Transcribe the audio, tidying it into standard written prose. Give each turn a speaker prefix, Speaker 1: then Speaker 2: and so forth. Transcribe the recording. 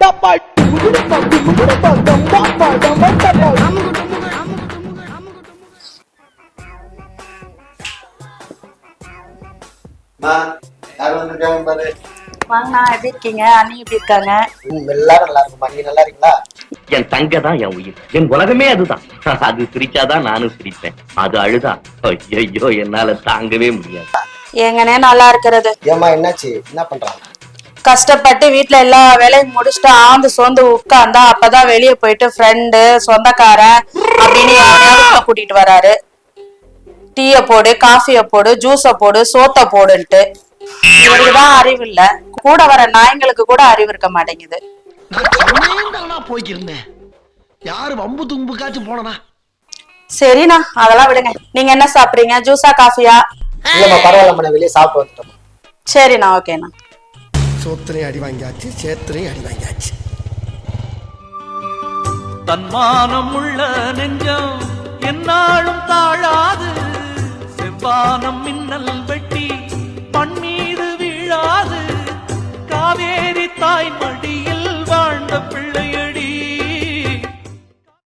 Speaker 1: வாங்கண்ணா, எப்படி இருக்கீங்க? அண்ணி எப்படி இருக்காங்க?
Speaker 2: எல்லாரும் நல்லா இருக்குமா? நீங்க நல்லா இருக்கீங்களா?
Speaker 3: என் தங்க தான் என் உயிர், என் உலகமே அதுதான். அது சிரிச்சாதான் நானும் சிரிப்பேன், அது அழுதா ஐயோ என்னால தாங்கவே முடியாது.
Speaker 1: எங்கனே நல்லா இருக்கிறது.
Speaker 2: ஏமா என்னாச்சு? என்ன பண்றாங்க?
Speaker 1: கஷ்டப்பட்டு வீட்டுல எல்லா வேலையும் முடிச்சுட்டு ஆந்து சோர்ந்து உட்கார்ந்தா அப்பதான் வெளியே போயிட்டு ஃப்ரெண்டு சொந்தக்காரன் அப்படின்னு யாரையாவது கூட்டிட்டு வராரு. டீய போடு, காஃபிய போடு, ஜூஸ போடு, சோத்த போடுன்ட்டு. இவருக்குதான் அறிவு இல்ல, கூட வர நாய்ங்களுக்கு கூட அறிவு இருக்க மாட்டேங்குது.
Speaker 4: போய்க்கிருந்தேன், யாரு வம்பு தும்புக்காச்சும் போனா.
Speaker 1: சரிண்ணா, அதெல்லாம் விடுங்க. நீங்க என்ன சாப்பிடுறீங்க? ஜூஸா காஃபியா?
Speaker 2: இல்லம்மா பரவாயில்ல, வெளியே சாப்பிட்டு வந்துட்டோம்.
Speaker 1: சரிண்ணா, ஓகேண்ணா.
Speaker 4: சோத்திரையும் அடி வாங்கியாச்சு, சேத்திரையும் அடி வாங்கியாச்சு.
Speaker 5: தன்மானம் உள்ள நெஞ்சம் என்னாலும் தாழாது, செவ்வானம் மின்னல் வெட்டி மண் மீது வீழாது, காவேரி தாய் மடி